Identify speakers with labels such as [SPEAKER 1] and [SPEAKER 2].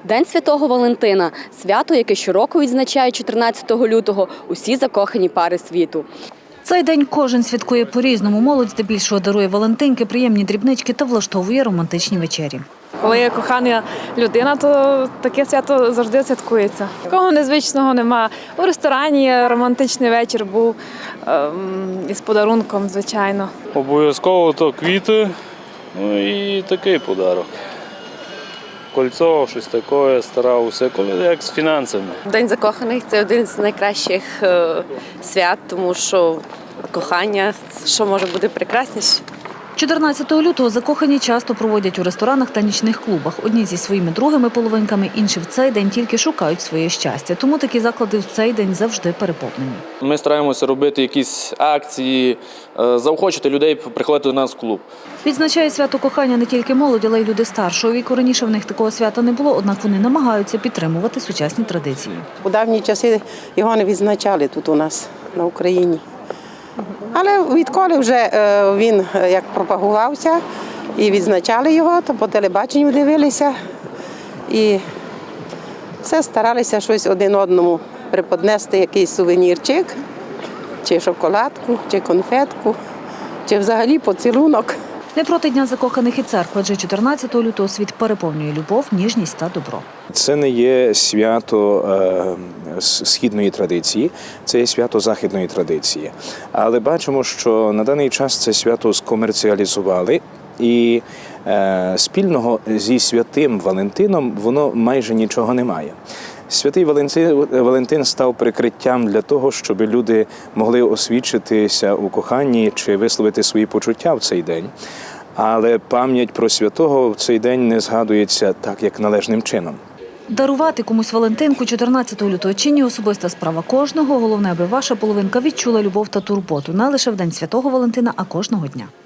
[SPEAKER 1] День Святого Валентина – свято, яке щороку відзначають 14 лютого усі закохані пари світу.
[SPEAKER 2] Цей день кожен святкує по-різному. Молодь здебільшого дарує валентинки, приємні дрібнички та влаштовує романтичні вечері.
[SPEAKER 3] Коли є кохана людина, то таке свято завжди святкується. Такого незвичного нема. У ресторані романтичний вечір був із подарунком, звичайно.
[SPEAKER 4] Обов'язково то квіти, ну і такий подарок. Кольцо, щось таке, старався, коли як з фінансами.
[SPEAKER 5] День закоханих – це один з найкращих свят, тому що кохання, що може бути прекрасніше.
[SPEAKER 2] 14 лютого закохані часто проводять у ресторанах та нічних клубах. Одні зі своїми другими половинками, інші в цей день тільки шукають своє щастя. Тому такі заклади в цей день завжди переповнені.
[SPEAKER 6] Ми стараємося робити якісь акції, заохочити людей приходити до нас в клуб.
[SPEAKER 2] Відзначає свято кохання не тільки молодь, але й люди старшого віку. Раніше в них такого свята не було, однак вони намагаються підтримувати сучасні традиції.
[SPEAKER 7] У давні часи його не відзначали тут у нас на Україні. Але відколи вже він як пропагувався і відзначали його, то по телебаченню дивилися і все старалися щось один одному приподнести, якийсь сувенірчик, чи шоколадку, чи конфетку, чи взагалі поцілунок.
[SPEAKER 2] Не проти Дня закоханих і церква, адже 14 лютого світ переповнює любов, ніжність та добро.
[SPEAKER 8] Це не є свято східної традиції, це є свято західної традиції. Але бачимо, що на даний час це свято скомерціалізували і спільного зі святим Валентином воно майже нічого не має. Святий Валентин став прикриттям для того, щоб люди могли освідчитися у коханні чи висловити свої почуття в цей день. Але пам'ять про святого в цей день не згадується так, як належним чином.
[SPEAKER 2] Дарувати комусь Валентинку 14 лютого чи ні – особиста справа кожного. Головне, аби ваша половинка відчула любов та турботу не лише в День Святого Валентина, а кожного дня.